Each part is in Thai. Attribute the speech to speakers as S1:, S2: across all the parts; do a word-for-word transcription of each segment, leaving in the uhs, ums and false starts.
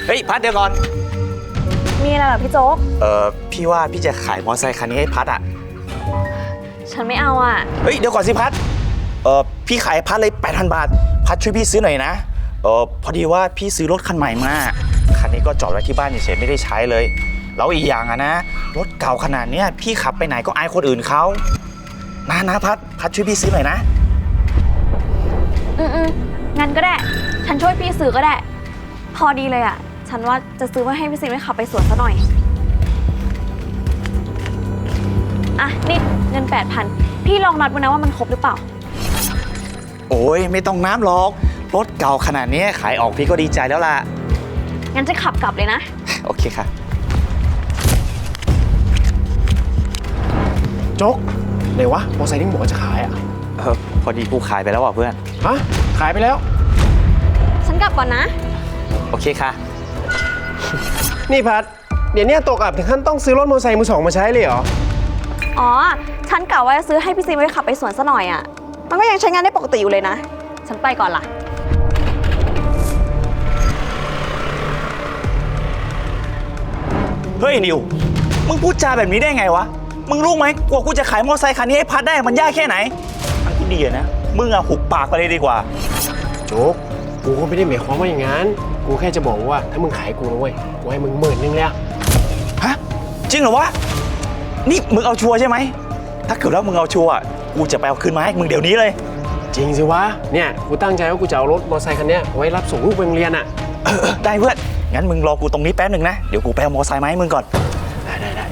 S1: เฮ้ยพัดเดี๋ยวก่อน
S2: มีอะไรเหรอพี่โจ๊ก
S1: เออพี่ว่าพี่จะขายมอเตอร์ไซค์คันนี้ให้พัดอ่ะ
S2: ฉันไม่เอาอ่ะ
S1: เฮ้ยเดี๋ยวก่อนสิพัดเออพี่ขายพัดเลยแปดพันบาทพัดช่วยพี่ซื้อหน่อยนะเออพอดีว่าพี่ซื้อรถคันใหม่มาคันนี้ก็จอดไว้ที่บ้านเฉยๆไม่ได้ใช้เลยแล้วอีกอย่างอะนะรถเก่าขนาดเนี้ยพี่ขับไปไหนก็อายคนอื่นเขานะนะพัดพัดช่วยพี่ซื้อหน่อยนะ
S2: อืมอืมงั้นก็ได้ฉันช่วยพี่ซื้อก็ได้พอดีเลยอ่ะฉันว่าจะซื้อไว้ให้พี่ซิมไปขับไปสวนซะหน่อยอ่ะนี่เงินแปดพันพี่ลองนัดดูนะว่ามันครบหรือเปล่า
S1: โอ้ยไม่ต้องน้ำหรอกรถเก่าขนาดนี้ขายออกพี่ก็ดีใจแล้วล่ะ
S2: งั้นจะขับกลับเลยนะ
S1: โอเคค่ะ
S3: โจ๊กไหนวะมอเตอร์ไซค์ที่หมอจะขายอ่ะ
S1: เออพอดีกูขายไปแล้วอ่ะเพื่อน
S3: ฮะขายไปแล้ว
S2: ฉันกลับก่อนนะ
S1: โอเคค่ะ
S3: นี่พัดเดี๋ยวนี้ตกอับถึงขั้นต้องซื้อรถมอเตอร์ไซค์มือสองมาใช้เลยเหรอ
S2: อ๋อฉันกะว่าจะซื้อให้พี่ซิมไปขับไปสวนซะหน่อยอ่ะมันก็ยังใช้งานได้ปกติอยู่เลยนะฉันไปก่อนล่ะ
S1: เฮ้ยนิวมึงพูดจาแบบนี้ได้ไงวะมึงรู้ไหมกว่ากูจะขายมอเตอร์ไซค์คันนี้ให้พัดได้มันยากแค่ไหนทางที่ดีนะมึงอะหุบปากไปเลยดีกว่า
S3: โจ๊กกูก็ไม่ได้หมายความว่าอย่างนั้นกูแค่จะบอกว่าถ้ามึงขายกูนะเว้ยกูให้มึงหมื่นนึงแล้ว
S1: ฮะจริงเหรอวะนี่มึงเอาชัวร์ใช่ไหมถ้าเกิดว่ามึงเอาชัวร์กูจะไปเอาคืนมาให้มึงเดี๋ยวนี้เลย
S3: จริงสิวะเนี่ยกูตั้งใจว่ากูจะเอารถมอเตอร์ไซค์คันนี้ไว้รับส่งลูกไปโรงเรียนอ่ะ
S1: ได้เพื่อนงั้นมึงรอกูตรงนี้แป๊บหนึ่งนะเดี๋ยวกูไปเอามอเตอร์ไซค์มาให้มึงก่อน
S3: ได้ได้ได้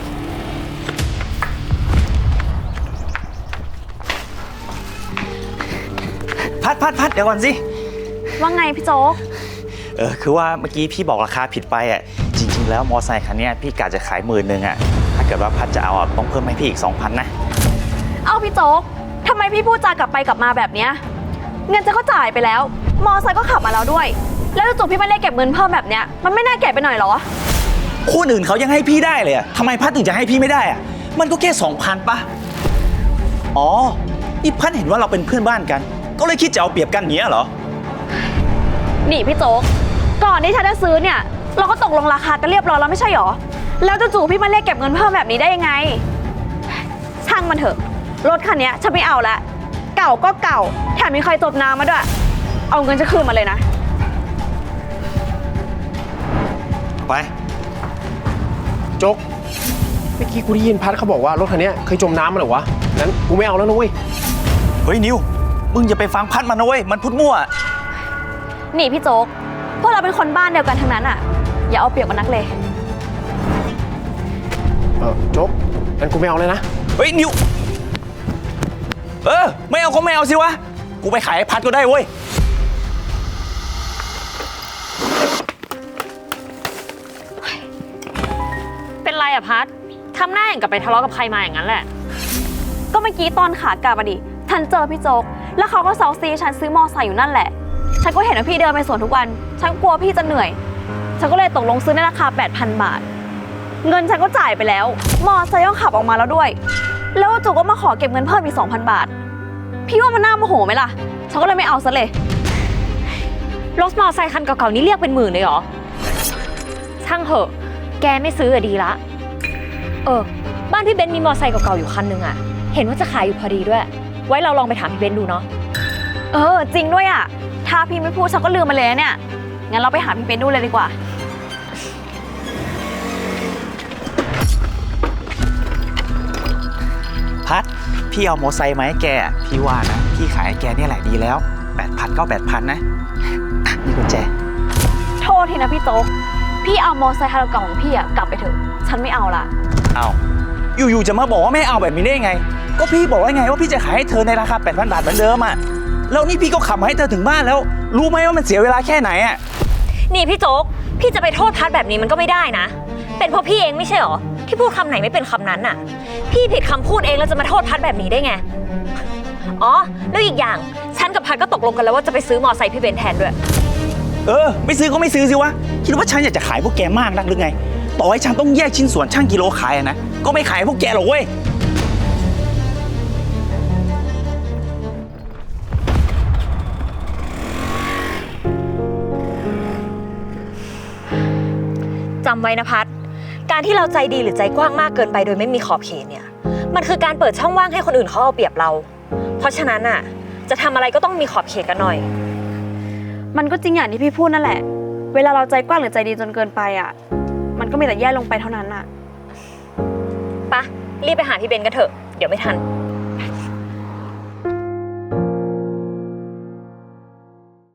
S1: พัดพัดพัดเดี๋ยวก่อนสิ
S2: ว่าไงพี่โจ๊ก
S1: เออคือว่าเมื่อกี้พี่บอกราคาผิดไปอ่ะจริงๆแล้วมอเตอร์ไซค์คันนี้พี่กะจะขายหมื่นหนึ่งอ่ะถ้าเกิดว่าพัดจะเอาต้องเพิ่มให้พี่อีกสองพันนะ
S2: เอาพี่โจ๊กทำไมพี่พูดจากลับไปกลับมาแบบเนี้ยเงินจะก็จ่ายไปแล้วมอไซค์ก็ขับมาแล้วด้วยแล้วจู่ๆพี่ไม่ได้เก็บเงินเพิ่มแบบเนี้ยมันไม่น่าเก็บไปหน่อยหรอ
S1: คนอื่นเขายังให้พี่ได้เลยอะทำไมพัดถึงจะให้พี่ไม่ได้อะมันก็แค่สองพันปะอ๋อนี่พัดเห็นว่าเราเป็นเพื่อนบ้านกันก็เลยคิดจะเอาเปรียบกันเนี้ยเหรอ
S2: นี่พี่โจ๊กก่อนที่ฉันจะซื้อเนี่ยเราก็ตกลงราคากันเรียบร้อยแล้วไม่ใช่หรอแล้วจู่ๆพี่มาเรียกเก็บเงินเพิ่มแบบนี้ได้ยังไงช่างมันเถอะรถคันนี้ฉันไม่เอาละเก่าก็เก่าแถมมีใครจบน้ำมาด้วยเอาเงินจะคืนมาเลยนะ
S1: ไป
S3: โจ๊กเมื่อกี้กูได้ยินพัดเขาบอกว่ารถคันนี้เคยจมน้ำมาเหรอวะงั้นกูไม่เอาแล้วนะเว้ย
S1: เฮ้ยนิวมึงอย่าไปฟังพัดมันนะเว้ยมันพูดมั่ว
S2: นี่พี่โจ๊กพวกเราเป็นคนบ้านเดียวกันทั้งนั้นอ่ะอย่าเอาเปรียบมันนักเลย
S3: เออโจ๊กงั้นกูไม่เอาเลยนะ
S1: เฮ้ยนิวเออไม่เอาก็ไม่เอาสิวะกูไปขายให้พัดก็ได้เว้ย
S4: เป็นไรอะพัดทำหน้าอย่างกับไปทะเลาะกับใครมาอย่างนั้นแหละ
S2: ก็เมื่อกี้ตอนขากลับมาดิฉันเจอพี่โจ๊กแล้วเขาก็เซาซีฉันซื้อมอไซค์อยู่นั่นแหละฉันก็เห็นว่าพี่เดินไปสวนทุกวันฉันกลัวพี่จะเหนื่อยฉันก็เลยตกลงซื้อในราคา แปดพัน บาทเงินฉันก็จ่ายไปแล้วมอไซค์ก็ขับออกมาแล้วด้วยแล้วจู่ก็มาขอเก็บเงินเพิ่มอีก สองพัน บาทพี่ว่ามันน่าโมโหไหมล่ะฉันก็เลยไม่เอาซะเลย
S4: รถมอไซค์คันเก่าๆนี้เรียกเป็นหมื่นเลยเหรอช่างเหอะแกไม่ซื้ออะดีละเออบ้านพี่เบนมีมอไซค์เก่าๆอยู่คันนึงอะเห็นว่าจะขายอยู่พอดีด้วยไว้เราลองไปถามพี่เบนดูเนาะ
S2: เออจริงด้วยอะถ้าพี่ไม่พูดฉันก็ลืมมาเลยเนี่ยงั้นเราไปหาพี่เบนดูเลยดีกว่า
S1: พัดพี่เอามอเตอร์ไซค์มาให้แกพี่ว่านะพี่ขายให้แกเนี่ยแหละดีแล้วแปดพันก็แปดพันนะนี่กุญแจ
S2: โทษทีนะพี่โจ๊กพี่เอามอไซค์คันเก่าของพี่อะกลับไปเถอะฉันไม่เอาละ
S1: เอาอยู่ๆจะมาบอกว่าไม่เอาแบบนี้ได้ไงก็พี่บอกว่าไงว่าพี่จะขายให้เธอในราคา แปดพัน บาทเหมือนเดิมอะแล้วนี่พี่ก็ขับมาให้เธอถึงบ้านแล้วรู้ไหมว่ามันเสียเวลาแค่ไหนอะ
S4: นี่พี่โจ๊กพี่จะไปโทษพัดแบบนี้มันก็ไม่ได้นะเป็นเพราะพี่เองไม่ใช่หรอที่พูดคำไหนไม่เป็นคำนั้นน่ะพี่ผิดคำพูดเองแล้วจะมาโทษพัดแบบนี้ได้ไงอ๋อแล้วอีกอย่างฉันกับพัดก็ตกลงกันแล้วว่าจะไปซื้อมอไซค์พี่เบนแทนด้วย
S1: เออไม่ซื้อก็ไม่ซื้อสิวะคิดว่าฉันอยากจะขายพวกแกมากนักหรือไงต่อให้ฉันต้องแยกชิ้นส่วนช่างกิโลขายนะก็ไม่ขายพวกแกหรอกเว้ย
S4: จำไว้นะพัดการที่เราใจดีหรือใจกว้างมากเกินไปโดยไม่มีขอบเขตเนี่ยมันคือการเปิดช่องว่างให้คนอื่นเขาเอาเปรียบเรา เพราะฉะนั้นอ่ะจะทำอะไรก็ต้องมีขอบเขตกันหน่อย
S2: มันก็จริงอย่างที่พี่พูดนั่นแหละ เวลาเราใจกว้างหรือใจดีจนเกินไปอ่ะ มันก็มีแต่แย่ลงไปเท่านั้นอ่ะ
S4: ปะรีบไปหาพี่เบนกันเถอะเดี๋ยวไม่ทัน